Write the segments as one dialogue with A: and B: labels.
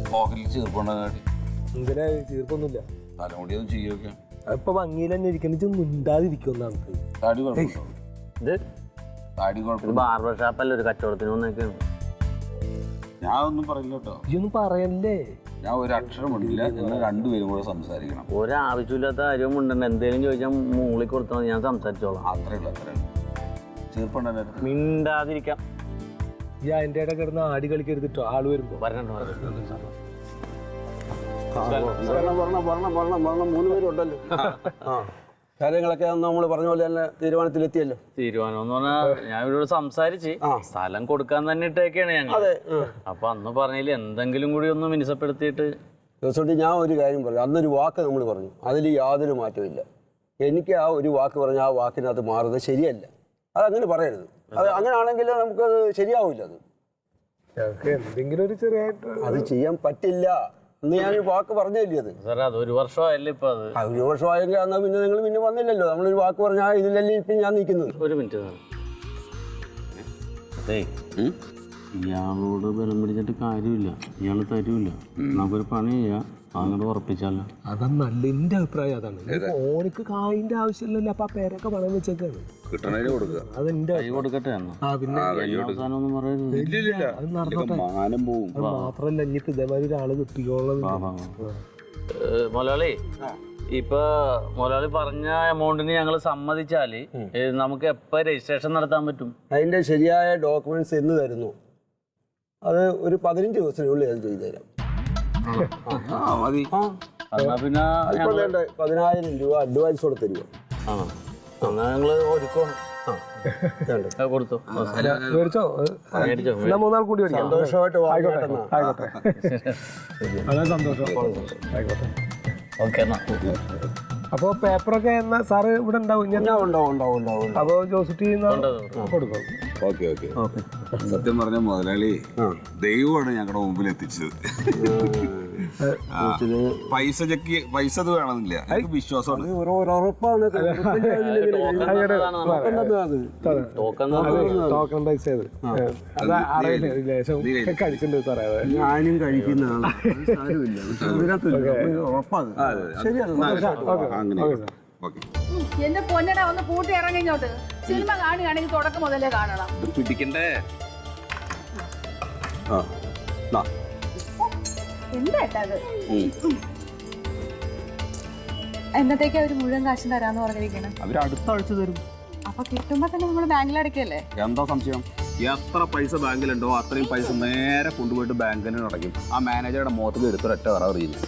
A: പോക്കറ്റിൽ ചീർപ്പുണ്ടാകാട്ടി
B: എന്തിനാ ചീർപ്പൊന്നുമില്ല.
A: തലമുടിയൊന്നും ചെയ്യൊക്കെ
B: ഇപ്പൊ ഭംഗിയിൽ തന്നെ ഇരിക്കണ മിണ്ടാതിരിക്കുമെന്നാണ്.
A: താടി കുഴപ്പമില്ല. താടി കുഴപ്പമില്ല.
C: ബാർബർ ഷാപ്പല്ല, ഒരു കച്ചവടത്തിന് വന്നേക്കാണ്.
A: ഞാൻ ഒന്നും പറയില്ല കേട്ടോ.
B: ഇതൊന്നും പറയല്ലേ.
A: ഞാൻ ഒരു അക്ഷരം ഉണ്ടില്ല. നിങ്ങൾ രണ്ടുപേരും കൂടെ സംസാരിക്കണം.
C: ഒരാവശ്യമില്ലാത്ത കാര്യം ഉണ്ടെന്ന് എന്തേലും ചോദിച്ചാൽ മൂളി കൊടുത്താൽ ഞാൻ സംസാരിച്ചോളാം.
A: അത്രേ ഉള്ളൂ. ചീർപ്പുണ്ട
C: മിണ്ടാതിരിക്കാം.
B: ഈ അതിൻ്റെ ഇടയിൽ കിടന്ന് ആടി കളിക്കരുതിട്ടോ ആള് വരുമ്പോ.
D: മൂന്ന് പേരുണ്ടല്ലോ. കാര്യങ്ങളൊക്കെ നമ്മൾ പറഞ്ഞ പോലെ തന്നെ തീരുമാനത്തിലെത്തിയല്ലോ.
C: തീരുമാനം എന്ന് പറഞ്ഞാൽ ഞാൻ ഇവരോട് സംസാരിച്ച് സ്ഥലം കൊടുക്കാൻ തന്നെ ഇട്ടേക്കാണ് ഞങ്ങൾ. അപ്പൊ അന്ന് പറഞ്ഞതിൽ എന്തെങ്കിലും കൂടി ഒന്ന് മിനുസപ്പെടുത്തിയിട്ട്.
D: ദിവസം ഞാൻ ഒരു കാര്യം പറഞ്ഞു. അന്നൊരു വാക്ക് നമ്മൾ പറഞ്ഞു, അതിൽ യാതൊരു മാറ്റമില്ല. എനിക്ക് ആ ഒരു വാക്ക് പറഞ്ഞാൽ ആ വാക്കിനകത്ത് മാറുന്നത് ശരിയല്ല. അതങ്ങനെ പറയരുത്. അത് അങ്ങനെയാണെങ്കിൽ നമുക്കത് ശരിയാവില്ല. അത്
B: എന്തെങ്കിലും ഒരു ചെറിയായിട്ട്
D: അത് ചെയ്യാൻ പറ്റില്ല എന്ന് ഞാനൊരു വാക്ക് പറഞ്ഞില്ലേ. അത്
C: സാറേ അത് ഒരു വർഷമായല്ലേ ഇപ്പൊ. അത്
D: ഒരു വർഷമായെങ്കിൽ എന്നാൽ പിന്നെ നിങ്ങൾ പിന്നെ വന്നില്ലല്ലോ. നമ്മളൊരു വാക്ക് പറഞ്ഞാൽ ഇതിലല്ലേ ഇപ്പം ഞാൻ നിൽക്കുന്നത്.
C: ഒരു മിനിറ്റ് സാർ. അതെ, ഇയാളോട് ബലം പിടിച്ചിട്ട് കാര്യമില്ല. ഇയാൾ തരൂല്ല. നമുക്കൊരു പണി ചെയ്യാം, അങ്ങോട്ട് ഉറപ്പിച്ചാലോ.
B: അതാണ് നല്ല എന്റെ അഭിപ്രായം. അതാണ് ഓനിക്ക് കായിന്റെ ആവശ്യമില്ലല്ലോ. അപ്പൊ ആ പേരൊക്കെ പണം വെച്ചേക്കാണ്.
A: കിട്ടണേന് കൊടുക്കുക.
B: അതെന്റെ
C: കൈ കൊടുക്കട്ടെ.
B: പിന്നെ
C: അവസാനം ഒന്നും പറയരുത്.
B: അത് നടന്നോട്ടെ.
A: മാനം പോവും.
B: അത് മാത്രല്ല ഇനിയിപ്പോ ഇതേമാതിരി ഒരാള് കിട്ടിക്കോളും.
C: മുതലാളി, ഇപ്പൊ മുതലാളി പറഞ്ഞ എമൗണ്ടിന് ഞങ്ങൾ സമ്മതിച്ചാല് നമുക്ക് എപ്പോ രജിസ്ട്രേഷൻ നടത്താൻ പറ്റും?
D: അതിന്റെ ശരിയായ ഡോക്യുമെന്റ്സ് എന്ന് തരുന്നു അത് ഒരു 15 ദിവസത്തിനുള്ളിൽ അത് ചെയ്തു തരാം.
A: മതി.
C: എന്നാ പിന്നെ
D: 10,000 രൂപ അഡ്വാൻസ് കൊടുത്ത് തരുമോ?
C: എന്നാ ഞങ്ങള് ഒരുക്കണം. കൊടുത്തു.
B: മൂന്നാൾ കൂടി
D: സന്തോഷമായിട്ട്
B: ആയിക്കോട്ടെ. അതെ, സന്തോഷം. ആയിക്കോട്ടെ.
C: ഓക്കെ എന്നാ.
B: അപ്പൊ പേപ്പറൊക്കെ എന്നാ സാറ് ഇവിടെ ഉണ്ടാവും?
D: ഉണ്ടാവും.
B: അപ്പൊ ജോസിറ്റി കൊടുക്കും.
A: ഓക്കെ. സത്യം പറഞ്ഞ മുതലാളി ദൈവമാണ് ഞങ്ങളുടെ മുമ്പിൽ എത്തിച്ചത്. പൈസ അത് വേണമെന്നില്ല. എനിക്ക് വിശ്വാസമാണ്.
B: ടോക്കൺ പൈസ കഴിച്ചിട്ടുണ്ട് സാറേ.
D: ഞാനും കഴിക്കുന്നതാണ്.
E: എന്റെ പൊന്നട ഒന്ന് പൂട്ടി ഇറങ്ങിങ്ങോട്ട്. സിനിമ കാണുകയാണെങ്കിൽ തുടക്കം മുതലേ കാണണം.
A: പിടിക്കണ്ടേ?
E: എന്താ അത്? എന്നത്തേക്ക് അവര് മുഴുവൻ കാശും തരാന്ന് പറഞ്ഞിരിക്കണം.
A: അവര് അടുത്ത ആഴ്ച തരും.
E: അപ്പൊ കിട്ടുമ്പോ തന്നെ നമ്മള് ബാങ്കിൽ അടയ്ക്കല്ലേ?
A: എന്താ സംശയം? എത്ര പൈസ ബാങ്കിലുണ്ടോ അത്രയും പൈസ നേരെ കൊണ്ടുപോയിട്ട് ബാങ്കിന് അടയ്ക്കും. ആ മാനേജറുടെ മുഖത്തേക്ക് എടുത്തൊരൊറ്റ അറിയുന്നു.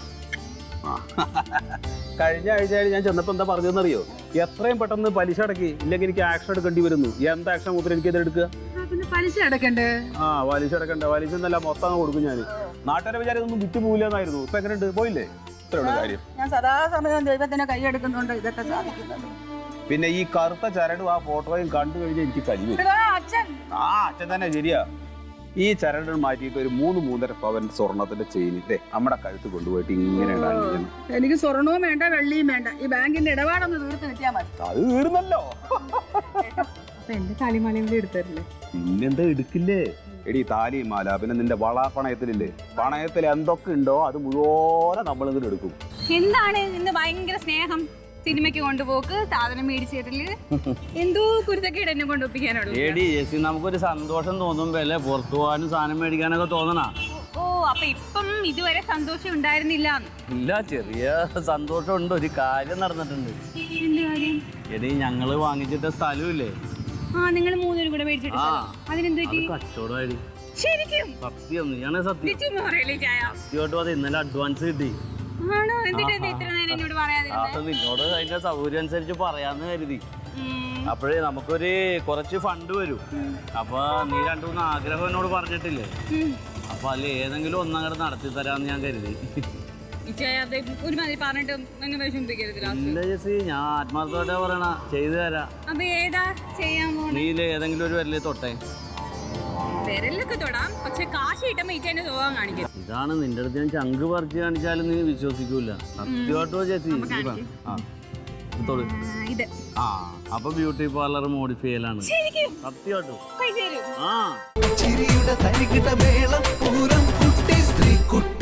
A: കഴിഞ്ഞ ആഴ്ചയിൽ ഞാൻ ചെന്നപ്പോൾ എന്താ പറഞ്ഞതെന്നറിയോ? എത്രയും പെട്ടെന്ന് പലിശ അടക്കി, ഇല്ലെങ്കിൽ എനിക്ക് ആക്ഷൻ എടുക്കേണ്ടി വരുന്നു. എന്ത് ആക്ഷൻ മുതൽ എനിക്ക് ഇതെടുക്കുക?
E: പലിശ അടക്കണ്ടേ?
A: പലിശ അടക്കണ്ടേ? പലിശ എന്നല്ല മൊത്തം കൊടുക്കും ഞാൻ. നാട്ടുകാരെ വിചാരം ഒന്നും വിറ്റ് പോവില്ലെന്നായിരുന്നു. ഇപ്പൊ എങ്ങനെയുണ്ട്? പോയില്ലേ? ഇത്രയുള്ള കാര്യം.
E: ഞാൻ സദാസമയം ദൈവത്തിനെ കൈയെടുക്കുന്നുണ്ട് ഇതൊക്കെ സാധിക്കുന്നത്.
A: പിന്നെ ഈ കറുത്ത ചരടും ആ ഫോട്ടോയും കണ്ടു കഴിഞ്ഞാൽ എനിക്ക് കലിവ്. അച്ഛൻ തന്നെ ശരിയാ. ഈ ചരട് മാറ്റിയിട്ട് ഒരു 3-3.5 പവൻ സ്വർണത്തിന്റെ ചെയിനില്ലേ നമ്മുടെ കഴുത്ത് കൊണ്ടുപോയിട്ട് ഇങ്ങനെ ഉണ്ടായിരുന്നു.
E: എനിക്ക് സ്വർണവും വേണ്ട, വെള്ളിയും വേണ്ട. ഈ ബാങ്കിന്റെ ഇടപാടൊന്ന് തീർത്ത് കിട്ടിയാൽ മതി.
A: അത് തീർന്നല്ലോ.
E: അപ്പൊ എന്റെ താലിമാലയും കൂടി എടുത്തരില്ലേ?
A: പിന്നെന്താ എടുക്കില്ലേ? എടി താലിയും മാല, പിന്നെ നിന്റെ വള പണയത്തിലില്ലേ? പണയത്തിൽ എന്തൊക്കെ ഉണ്ടോ അത് മുഴുവൻ നമ്മൾ ഇതിൽ എടുക്കും.
F: എന്താണ് ഇന്ന് ഭയങ്കര സ്നേഹം? സിനിമയ്ക്ക് കൊണ്ടുപോക്ക്, സാധനം മേടിച്ചിട്ടില്ല, എന്തോ കുരുത്തക്കേട് എന്നെ കൊണ്ടുപോയിക്കാനുള്ളൂ.
C: നമുക്കൊരു സന്തോഷം തോന്നുമ്പല്ലേ പുറത്തു പോകാനും സാധനം മേടിക്കാനൊക്കെ തോന്നണ.
F: ഓ, അപ്പൊ ഇപ്പം ഇതുവരെ സന്തോഷം ഉണ്ടായിരുന്നില്ല?
C: ഇല്ല, ചെറിയ സന്തോഷം ഉണ്ട്. ഒരു കാര്യം നടന്നിട്ടുണ്ട്.
F: എന്ത് കാര്യം?
C: എടി ഞങ്ങള് വാങ്ങിച്ചിട്ട സ്ഥലമില്ലേ?
F: നിങ്ങൾ 3 പേരും കൂടെ മേടിച്ചിട്ട് അതിനെന്ത് പറ്റി?
C: കച്ചവടമായി.
F: ശരിക്കും?
C: സത്യം, നീയാണേ സത്യം. സത്യമായിട്ടും അത് ഇന്നലെ അഡ്വാൻസ് കിട്ടി.
F: ആണോ? എന്നിട്ട് ഇത്ര നേരം എന്നോട് പറയാതിരുന്നത്?
C: നിന്നോട് അതിന്റെ സൗകര്യം അനുസരിച്ച് പറയാന്ന് കരുതി. അപ്പോഴേ നമുക്കൊരു കുറച്ച് ഫണ്ട് വരും. അപ്പൊ നീ 2-3 ആഗ്രഹം എന്നോട് പറഞ്ഞിട്ടില്ലേ? അപ്പൊ അതിൽ ഏതെങ്കിലും ഒന്നങ്ങട് നടത്തി തരാന്ന് ഞാൻ കരുതി.
F: ഒരുമാതിരി പറഞ്ഞിട്ട്
C: ഇല്ല ചേച്ചി, ഞാൻ ആത്മാർത്ഥമായിട്ടാ പറയണ, ചെയ്തു തരാം.
F: അപ്പൊ ഏതാ ചെയ്യാൻ പോണേ?
C: നീ ഏതെങ്കിലും ഒരു വിരലിൽ തൊട്ടേ.
F: വിരലൊക്കെ തൊടാം, പക്ഷെ കാശ് കിട്ടുമ്പോ ഈച്ചേന്റെ സ്വഭാവം കാണിക്കും.
C: ഇതാണ് നിന്റെ അടുത്ത് ഞാൻ ചങ്ക് പറിച്ച് കാണിച്ചാലും നീ വിശ്വസിക്കൂല. സത്യമായിട്ടോ ചേച്ചി? തൊടു.
F: ഇത്
C: അപ്പൊ ബ്യൂട്ടി പാർലർ മോഡിഫൈ ചെയ്യലാണ്. സത്യമായിട്ടും.
F: പൈസ തരും.
C: ചിരിയുടെ തരികിട മേളം പൂരം കുട്ടി സ്ത്രീ കുട്ടി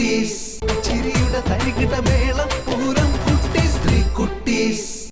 G: കുട്ടീസ് ചിരിയുടെ തരികിട മേളം പൂരം കുട്ടീസ് 3 കുട്ടീസ്